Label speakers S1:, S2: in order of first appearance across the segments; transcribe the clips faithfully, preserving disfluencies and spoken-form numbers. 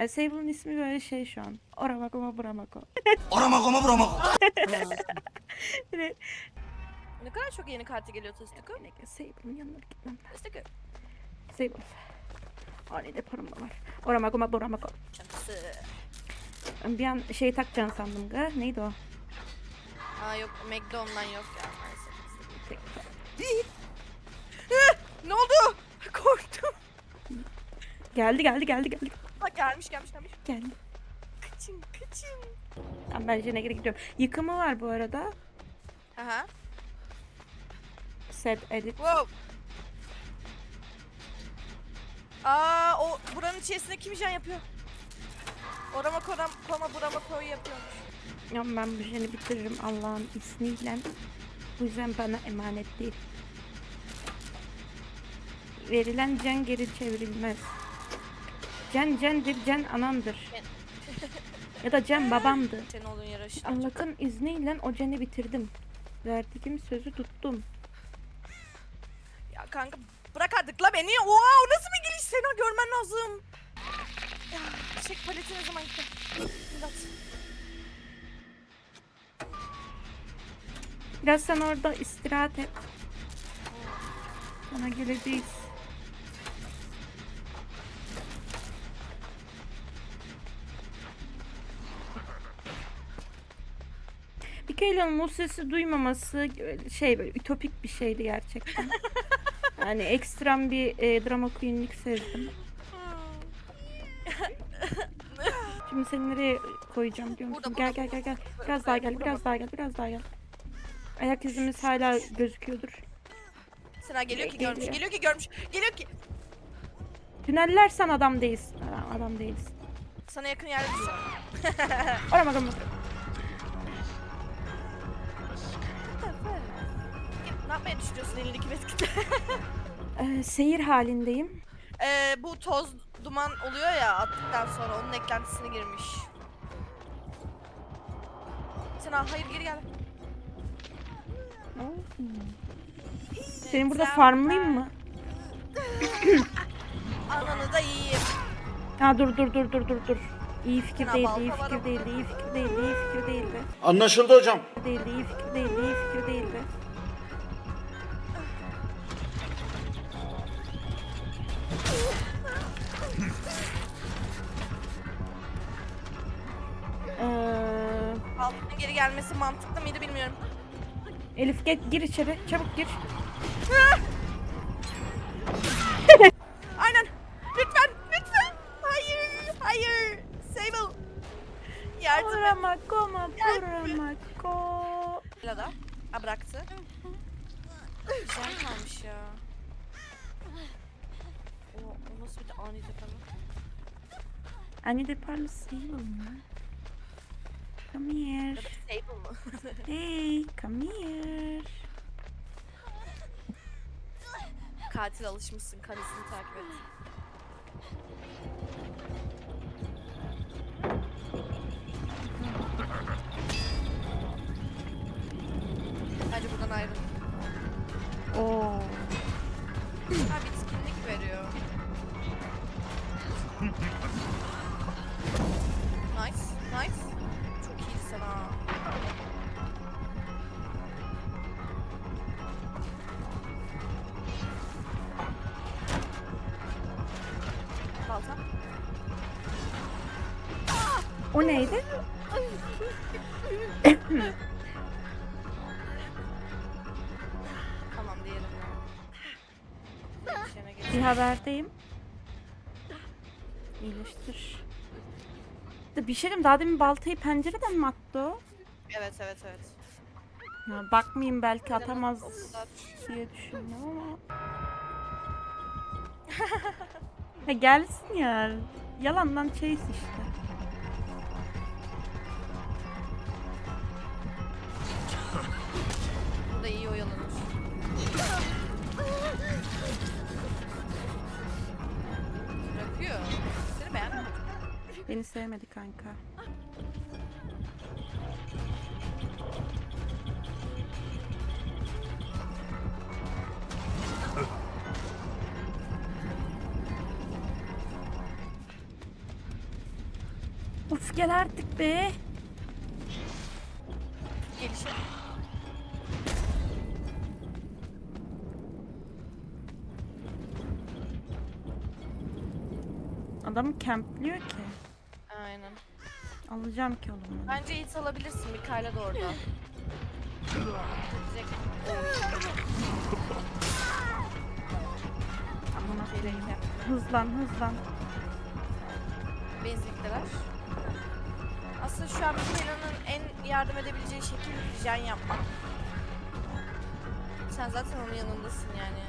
S1: Ay, Sable'ın ismi böyle şey şu an. Oramako buramako.
S2: Oramako mu buramako?
S3: Ne kadar çok yeni kartı geliyor Tastıkı.
S1: Sable'ın yanına bir gitmem.
S3: Tastıkı.
S1: Sable. Ani de param da var. Oramako buramako.
S3: Çantası.
S1: Bir an şey takacaksın sandım ga. Neydi o?
S3: Aa yok, Meg'de ondan yok ya maalesef.
S1: Tek-
S3: Ne oldu? Korktum.
S1: Geldi geldi geldi geldi.
S3: Bak gelmiş gelmiş gelmiş.
S1: Geldi.
S3: Kaçın kaçın.
S1: Tamam, ben Jen'e geri gidiyorum. Yıkımı var bu arada.
S3: Aha.
S1: Set edit.
S3: Wow. Aa o buranın içerisinde kim jen yapıyor? Orama koram koma burama koyu yapıyormuş.
S1: Ya ben bu Jen'i bitiririm Allah'ın ismiyle. Bu yüzden bana emanet değil. Verilen can geri çevrilmez. Can candır, can anamdır. Ya da can babamdı.
S3: Senin olduğun yere aşağı.
S1: Allah'ın izniyle o canı bitirdim. Verdiğim sözü tuttum.
S3: Ya kanka bırak artık la beni. Wow nasıl bir giriş, seni görmen lazım. Ya çek paleti ne zaman gitti? İmdat.
S1: Biraz sen orada istirahat et. Sana geleceğiz. Mikaela'nın o sesi duymaması şey böyle ütopik bir şeydi gerçekten. Yani ekstrem bir e, drama queen'lik sezdim. Şimdi seni nereye koyacağım diyor musun?
S3: Burada,
S1: Gel
S3: burada,
S1: gel gel gel.
S3: burada.
S1: Biraz daha gel,
S3: Burada
S1: biraz
S3: bak.
S1: daha gel, biraz daha gel. Ayak izimiz hala gözüküyordur.
S3: Sena geliyor ki
S1: Geliyor.
S3: görmüş. Geliyor ki görmüş. Geliyor ki.
S1: Tünellersen adam değilsin. Adam, adam değilsin.
S3: Sana yakın yerde düşsem.
S1: Arama arama.
S3: Ne yapmaya düşünüyorsun elindeki meskitle?
S1: Ee, seyir halindeyim.
S3: Ee, bu toz duman oluyor ya attıktan sonra onun eklentisine girmiş. Sena hayır geri gel.
S1: Senin burada
S3: Sen-
S1: farmlayayım mı?
S3: Ananı da yiyeyim.
S1: Ha dur dur dur dur dur dur. İyi fikir
S3: Ya
S1: değildi,
S3: balta
S1: iyi
S3: var
S1: fikir
S3: ama.
S1: değildi, iyi fikir değildi, iyi fikir değildi.
S2: Anlaşıldı hocam.
S1: Değildi, iyi fikir değildi, iyi fikir değildi. Ee,
S3: Baltanın geri gelmesi mantıklı mıydı bilmiyorum.
S1: Elif gel, gir içeri, çabuk gir.
S3: Aynen. Lütfen, lütfen. Hayır, hayır. Sable. Yardım et.
S1: Buramako ma buramako.
S3: Lada. Ha bıraktı. Güzel kalmış ya. O, o nasıl bir de ani tepeme?
S1: Anne de parlı Sable mı? Come here.
S3: Sable mı?
S1: Hey, come here.
S3: Katil alışmışsın. Karesini takip et. Bence buradan ayrıl.
S1: Oo.
S3: Ha bitkinlik veriyor. Nice, nice. Çok iyiydi sana. Balta.
S1: O neydi?
S3: Tamam diyelim. Değişene geç.
S1: Bir haberdeyim. İyileştir. De bir şey diyeyim, daha demin baltayı pencereden mi attı o?
S3: Evet evet evet.
S1: Ya bakmayayım, belki atamaz
S3: O kadar.
S1: diye düşündüm ama. Ya gelsin ya. Yalandan chase işte.
S3: Bu da iyi oyalanır. Bırakıyor. Seni beğenmedim.
S1: Beni sevmedi kanka. Of gel artık be.
S3: Gelişe.
S1: Adamı campliyor ki.
S3: Aynen.
S1: Alacağım ki oğlum.
S3: Bence hit alabilirsin. Mikaela da orada. Direkt
S1: Amına
S3: şeyle
S1: koyayım.
S3: gidelim.
S1: Hızlan hızlan.
S3: Benzinlikteler. Aslında şu an Mikaela'nın en yardım edebileceği şekil jen yapmak. Sen zaten onun yanındasın yani.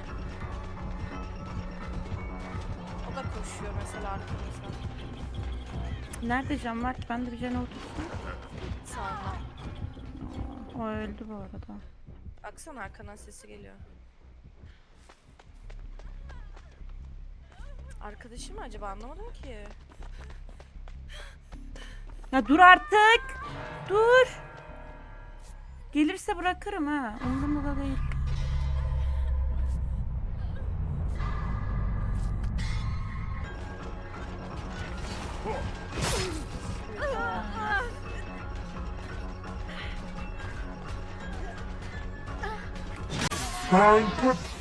S3: O da koşuyor mesela arkamızdan.
S1: Nerede can var ki? Ben de bir cana otursam.
S3: Sağında.
S1: O öldü bu arada.
S3: Baksana arkandan sesi geliyor. Arkadaşı mı acaba, anlamadım ki.
S1: Ya dur artık. Dur. Gelirse bırakırım ha. Umurumda da değil.
S4: Kanka